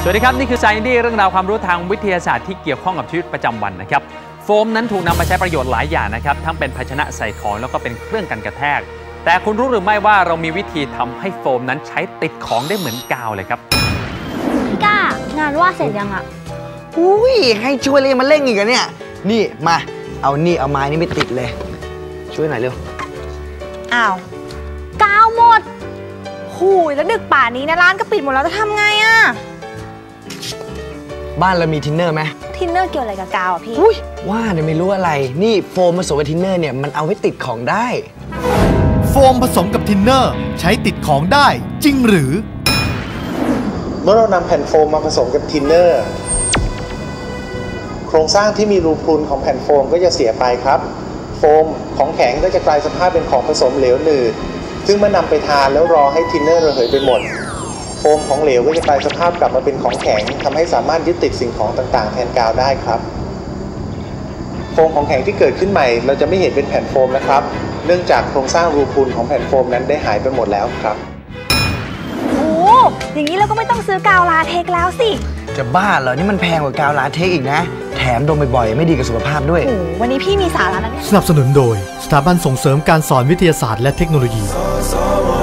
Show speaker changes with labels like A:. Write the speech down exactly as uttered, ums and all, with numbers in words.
A: วัสดีครับนี่คือ Science เรื่องราวความรู้ทางวิทยาศาสตร์ที่เกี่ยวข้องกับชีวิตประจำวันนะครับโฟมนั้นถูกนำมาใช้ประโยชน์หลายอย่างนะครับทั้งเป็นภาชนะใส่ของแล้วก็เป็นเครื่องกันกระแทกแต่คุณรู้หรือไม่ว่าเรามีวิธีทำให้โฟมนั้นใช้ติดของได้เหมือนกาวเลยครับ
B: พี่ก้างานว่าเสร็จยังอ่ะ
C: อุ้ยให้ช่วยเลยมาเร่งอีกอะเนี่ยนี่มาเอานี่เอาไม้นี่ไม่ติดเลยช่วยหน่อยเร็ว
B: อ้าวกาวหมดหูยแล้วดึกป่านนี้นะร้านก็ปิดหมดแล้วจะทำไงอ่ะ
C: บ้านเรามีทินเนอร์ไหม
B: ทินเนอร์เกี่ยวอะไรกับกาวอ่ะพี่
C: อุ้ยว่าเนี่ยไม่รู้อะไรนี่โฟมผสมกับทินเนอร์เนี่ยมันเอาไว้ติดของได้
D: โฟมผสมกับทินเนอร์ใช้ติดของได้จริงหรือ
E: เมื่อเรานำแผ่นโฟมมาผสมกับทินเนอร์โครงสร้างที่มีรูพรุนของแผ่นโฟมก็จะเสียไปครับโฟมของแข็งก็จะกลายสภาพเป็นของผสมเหลวหนืดซึ่งเมื่อนำไปทานแล้วรอให้ทินเนอร์ระเหยไปหมดโฟมของเหลวก็จะกลายสภาพกลับมาเป็นของแข็งทำให้สามารถยึดติดสิ่งของต่างๆแทนกาวได้ครับโฟมของแข็งที่เกิดขึ้นใหม่เราจะไม่เห็นเป็นแผ่นโฟมนะครับเนื่องจากโครงสร้างรูพรุนของแผ่นโฟมนั้นได้หายไปหมดแล้วครับ
B: โอ้อย่างนี้เราก็ไม่ต้องซื้อกาวลาเทคแล้วสิ
C: จะบ้าเหรอนี่มันแพงกว่ากาวลาเทคอีกนะแถมดมบ่อยๆไม่ดีกับสุขภาพด้วย
B: โอ้วันนี้พี่มีสาระนะเนี่ย
D: สนับสนุนโดยสถาบันส่งเสริมการสอนวิทยาศาสตร์และเทคโนโลยี